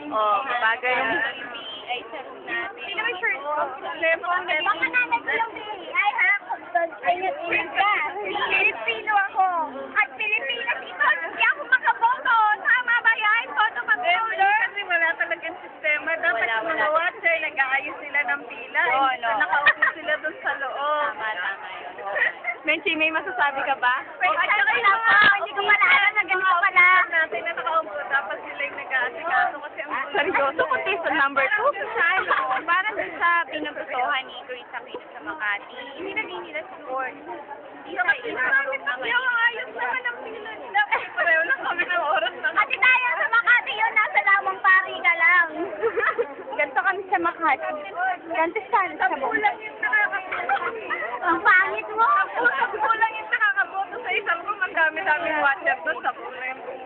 Oh, bagay yung... Ay, sarap natin. Sino may shirt ko? Lepong, Baka nanay ko yung ay ha, kung doon, ingat-ingat ka. Pilipino ako. At Pilipinas ito, hindi ako makaboto. Tama ba yan? Boto mag-voter? Kasi wala talagang sistema. Dapat yung mga watcher, nag-aayos sila ng pila. Oo, no. Nakaupo sila doon sa loob. Tama yun. Menchi, may masasabi ka ba? Wait, hindi ko pala alam na ganito pala. Natin na nakaupo, dapat sila yung nag-aasikaso kasi ang Seryoso, contestant number 2. Parang dun sa pinuputuhan ni Chris Aquino sa Makati, hindi naging nila support. Hindi sa kayo ayos naman ang pila nila. Pareho lang kami ng oras na. Kasi tayo sa Makati yun, nasa lamang pari ka lang. Ganito kami sa Makati. Ganito sana sa Kulang yung nakakaboto. Ang pangit mo. Kulang yung nakakaboto sa isang room. Ang dami-daming watcher doon. Sa kulang yung